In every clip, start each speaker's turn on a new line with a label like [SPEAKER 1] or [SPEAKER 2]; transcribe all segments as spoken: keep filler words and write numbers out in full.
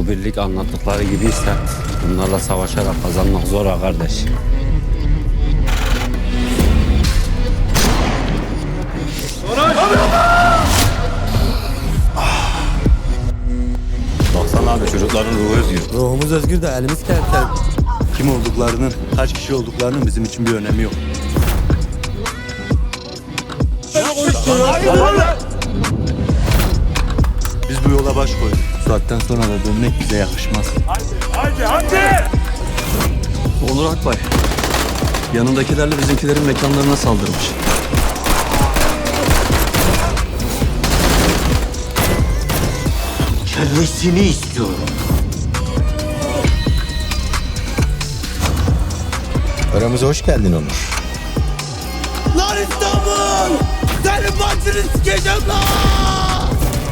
[SPEAKER 1] Bu birlik anlattıkları gibiyse bunlarla savaşarak kazanmak zor ha kardeş. Baksana abi, çocukların ruhu özgür.
[SPEAKER 2] Ruhumuz özgür de elimiz kertel.
[SPEAKER 3] Kim olduklarının, kaç kişi olduklarının bizim için bir önemi yok. Biz bu yola baş koyduk. Bu saatten sonra da dönmek bize yakışmaz.
[SPEAKER 4] Hadi hadi!
[SPEAKER 5] Onur Akbay, yanındakilerle bizimkilerin mekanlarına saldırmış.
[SPEAKER 6] Kellesini istiyorum.
[SPEAKER 2] Aramıza hoş geldin Onur.
[SPEAKER 3] Lan İstanbul! Senin başını sikeceğim lan!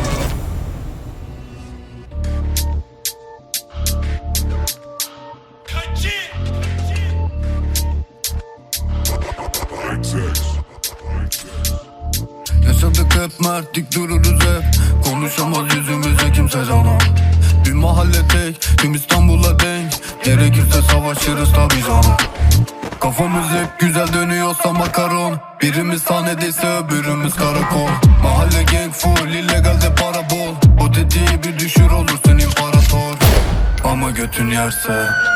[SPEAKER 7] Yaşadık hep mertlik, dururuz hep. Konuşamaz yüzümüze kimse canım. Bir mahalle tek, tüm İstanbul'a denk. Gerekirse savaşırız tabi canım. Kafamız hep güzel dönüyorsa makaron. Birimiz sahnedeyse öbürümüz karakol. Mahalle gang full, illegalde para bol. O dediği bir düşür olursun imparator. Ama götün yerse